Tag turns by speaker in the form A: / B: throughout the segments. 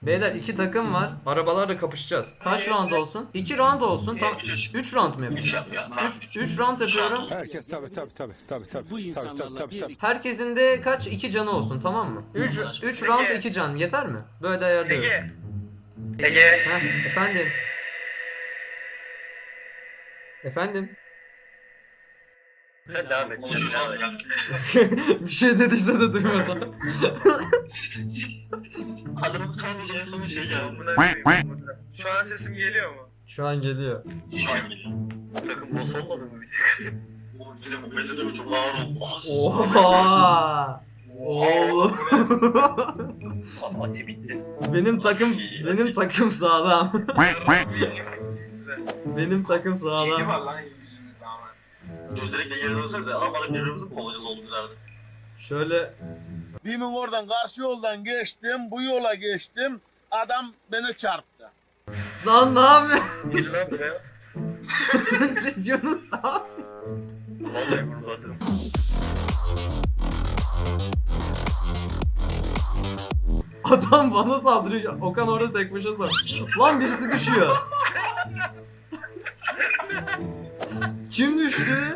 A: Beyler 2 takım var. Arabalarla kapışacağız. Kaç round olsun? 2 round olsun. Tam 3 round mu yapayım? 3 round yapıyorum.
B: Herkes tabi.
C: Bu insanlarla birlikte
A: Herkesin de kaç? 2 canı olsun, tamam mı? 3 round 2 can yeter mi? Böyle ayarlıyorum.
D: Ege.
A: Heh, efendim. Efendim.
D: Devam et.
A: Bir şey dediyse de duymadım.
D: Adamın tam son şey geldi. Şu an sesim geliyor mu?
A: Şu an geliyor.
D: Şu an geliyor. Takım boss olmadı mı bir tık? Oğlum bir de bu bende de çok ağır olmaz.
A: Oha! Oğlum.
D: Ati bitti.
A: benim takım sağlam. Benim takım
E: Şey
A: sağlam.
E: var lan yüzümüzde ama.
D: Gözlerek de geri dönsenize ama birbirimizi kovacağız oldu ileride.
A: Şöyle
F: Demin oradan karşı yoldan geçtim, bu yola geçtim. Adam beni çarptı.
A: lan ne yapıyorsun?
D: Gel lan buraya.
A: Yunus ne yapıyor?
D: Vallahi vurmadım.
A: Adam bana saldırıyor. Okan orada tek başına saldırıyor. Lan birisi düşüyor. Kim düştü?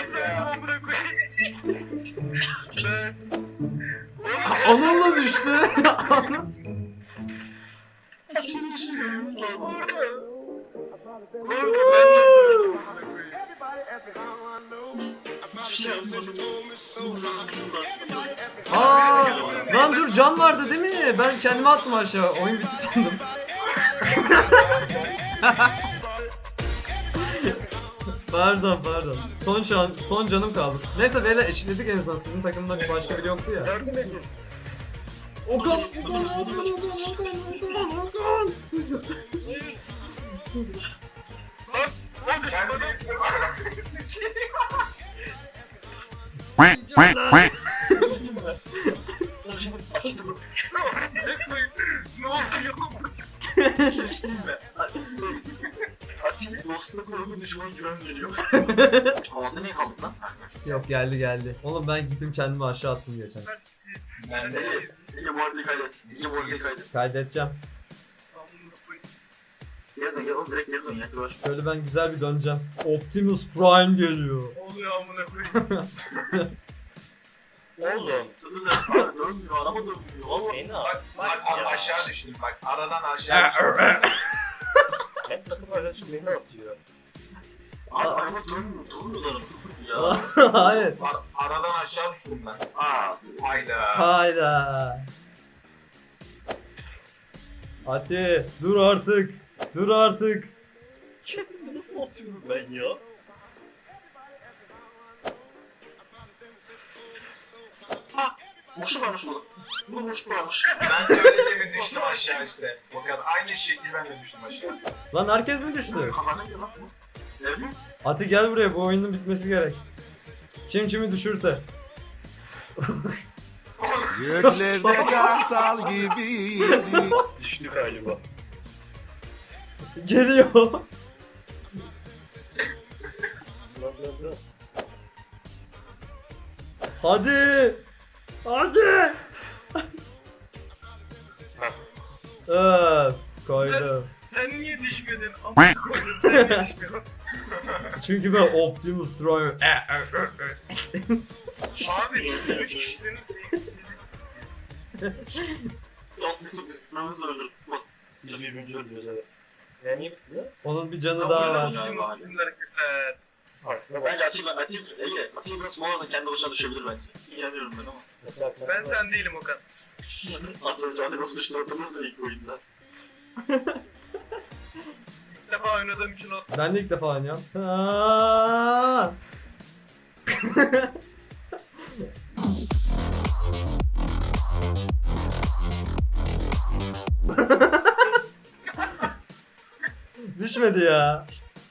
A: Anıl'la düştü. Aa, lan dur can vardı değil mi? Ben kendimi attım aşağı. Oyun bitti sandım. Pardon. Son canım kaldı. Neyse beyler eşitledik en azından. Sizin takımda bir başka biri yoktu ya. Okan.
D: Ne oluyor? Ati dostuna korku düşman güven geliyor. Havada niye kaldık lan?
A: Yok geldi. Oğlum ben gittim kendimi aşağı attım geçen.
E: Ben de
D: İyi bu arada kaydet. İyi bu arada kaydet.
A: Kaydedeceğim.
D: Geri dön gel oğlum direkt geri dön ya. Dur.
A: Şöyle ben güzel bir döneceğim. Optimus Prime geliyor.
D: Oluyor amına koyayım. Oğlum. Hızlı dön. Abi dönmüyor. Araba dönmüyor. Oğlum.
E: bak aşağı düştüm bak. Aradan aşağı düştüm.
D: Hep takım arkadaşım beni atıyor. Abi araba dönmüyor. Durmuyorlar. Ya.
A: Hayır.
E: Aradan aşağı düştüm ben.
D: Aa.
E: Hayda.
A: Hayda. Ati dur artık.
D: Kendimi nasıl atıyorum ben ya? Ha! Boşluk varmış burada. Burada boşluk varmış.
E: Ben de öyle demin düştüm aşağı işte. Bakın aynı şekil ben de düştüm aşağı.
A: Lan herkes mi düştü?
D: Kafana gel lan bu. Ne bileyim?
A: Ati gel buraya, bu oyunun bitmesi gerek. Kim kimi düşürse.
B: Göklerde kartal gibiydi.
D: Düştü galiba.
A: Geliyor. Hadi. Koydum.
D: Sen niye düşmedin? Amına koydum sen niye düşmüyorsun?
A: Çünkü ben Optimus Prime.
D: Abi 3 kişisiniz. Yapmışsın bitmemiz öldür. Bak. Biz birbirimizi öldürüyoruz evet. Yani ne?
A: Onun bir canı daha var.
D: Bizim hareketler. Bence Ege, Atilla biraz moladan kendi başına düşebilir bence. İnanıyorum ben ama.
G: Ben sen değilim Okan.
D: Atilla nasıl düştü hatırlıyor da ilk oyunda.
G: İlk defa oynadığım için o.
A: Ben de ilk defa oynuyorum. Aa! Düşmedi ya.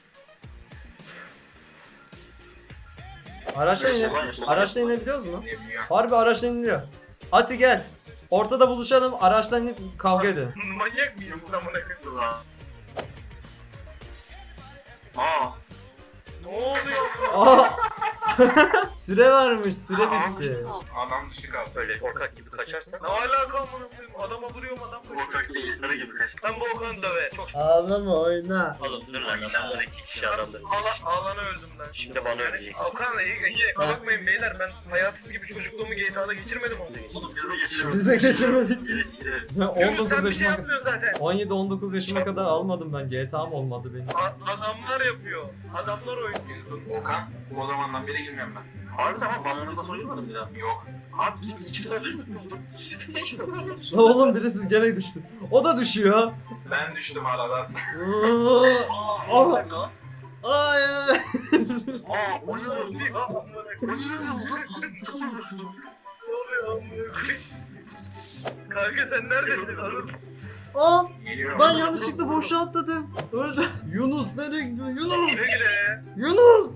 A: Araçla inebiliyoruz mu?
E: Demiyor.
A: Harbi araçla iniliyor. Ati gel. Ortada buluşalım, araçla inip kavga edelim.
G: Manyak mıyım zamana kadar?
D: Aa.
G: Ne oluyor?
A: Aa! Süre varmış, süre bitti.
E: Adam dışı kaldı.
D: Böyle korkak gibi kaçarsan.
G: Ne alaka amına koyayım? Adama vuruyorum adam kaçıyor.
D: Korkak değil, sarı gibi kaç.
G: Sen bu Okan'ı döve. Çok
A: Ağlama oyna.
D: Oğlum dur lan, adamlar 2 kişi adamdı.
G: Ağlana öldüm ben.
D: Şimdi bana ölecek.
G: Okan iyi bakmayın beyler, ben hayatsız gibi çocukluğumu GTA'da geçirmedim onu.
D: Oğlum gözü geçiremedim.
A: Bize geçirmedik.
D: Evet.
A: Ben
G: Yunus
A: 19
G: sen bir şey
A: yaşıma
G: yapmıyorsun zaten.
A: 17-19 yaşıma kadar almadım ben. GTA'm olmadı benim.
G: Adamlar yapıyor. Adamlar oynuyor.
E: Yunus'un Okan o zamandan beri girmiyorum ben.
D: Harbiden ama ben bunu da soyulmadım bir daha.
E: Yok.
D: Abi iki tane değil mi?
A: Lan oğlum birisi gene düştü. O da düşüyor.
E: Ben düştüm aradan.
A: Aa,
D: Aa,
A: ay.
D: o ne oldu? O ne oldu?
G: Ne oluyor amına koyayım? Kanka sen neredesin? Anıl.
A: Aa,
E: Geliyorum.
A: ben yanlışlıkla boşa atladım. Öldü. Yunus nereye gidiyor? Yunus!
G: Güle güle.
A: Yunus!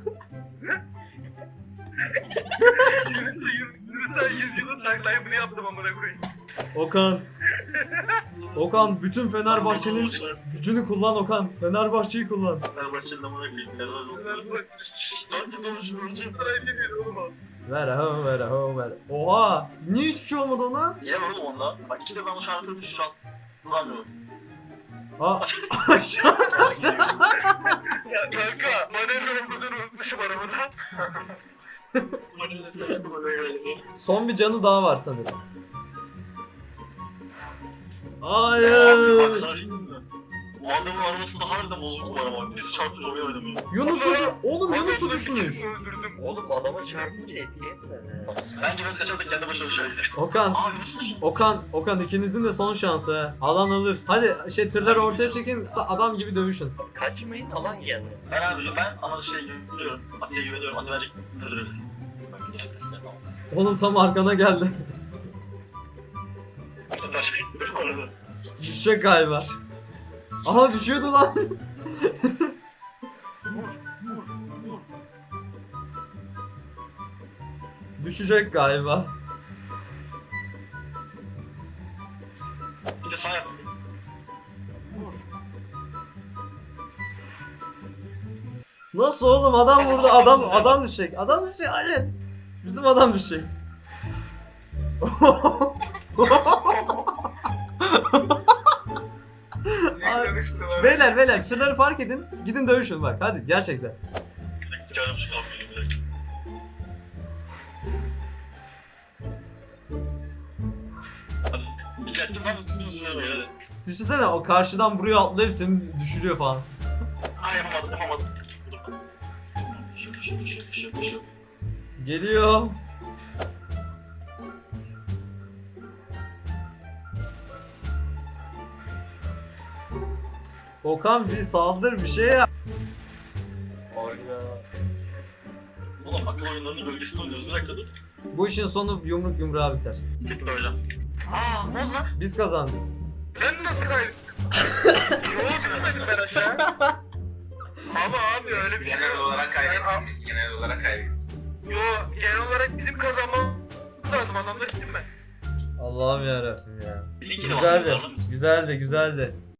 G: Yunus'a 100 yılın taklayı bunu yaptım amına koyayım.
A: Okan. Okan bütün Fenerbahçe'nin gücünü kullan Okan. Fenerbahçe'yi kullan.
D: Fenerbahçe'nin amına koyayım.
G: Fenerbahçe.
D: Dört konuşuyoruz.
G: Parayı demiyor oğlum o.
A: Ver ho ver ho ver. Oha! Niye hiçbir şey olmadı ona?
D: Yiyemem oğlum onunla. Bak iki de ben o şarkıyı şu an kullanmıyorum.
A: Aa, aşağı.
G: Ya kanka manevra okuduğunu unutmuşum arabada.
A: Son bir canı daha var sanırım. Hayır.
D: Bu adamın arabasında harbiden bozuldu bana bak. Biz çarptık oraya oynadım ya.
A: Yunus'u oğlum Yunus'u
G: Adamla bir
A: düşmüş.
G: kişi öldürdüm.
D: Oğlum adama çarpınca etki etmedi. Bence biraz kaçardık kendi başına düşeriz.
A: Okan,
D: Aa Yunus.
A: Okan ikinizin de son şansı. Ha. Alan alır. Hadi tırları ortaya çekin. Adam gibi dövüşün.
D: Kaçmayın alan geldi. Ben abi ama güveniyorum. Atiye güveniyorum. Ati bence tırırız. Ben gideceğim testine tamam.
A: Oğlum tam arkana geldi.
D: Başka gitmiyorum orada.
A: Düşecek galiba. Aha düşüyordu lan. Düşecek galiba.
D: Bir de sağ yap.
A: Nasıl oğlum adam vurdu adam düşecek. Adam düşecek hayır. Bizim adam düşecek.
E: Ne konuştular?
A: beyler tırları fark edin. Gidin dövüşün bak hadi gerçekten.
D: Canım şu an bir dakika. Dikkatli bak. Hadi.
A: Düşünsene o karşıdan buraya atlayıp seni düşürüyor falan.
D: Aa yapamadım. Şu.
A: Geliyor. Okan bir saldır bir şey yap.
D: Oğlum akıl oyunlarının bölgesinde oynuyoruz. Bir dakika dur.
A: Bu işin sonu yumruk yumruğa biter.
D: Tekrar hocam. Aa ne oldu lan?
A: Biz kazandık.
G: Ben nasıl kaybettim? Yolu sürmedim ben aşağı. Ama abi öyle bir şey
E: Genel
G: yok.
E: olarak kaybettik biz. Genel olarak kaybettik.
G: Yo genel olarak bizim kazanmamız lazım, adamlar gittim ben.
A: Allah'ım yarabbim ya.
D: İyi ki de
A: Güzeldi.
D: var.
A: Güzeldi.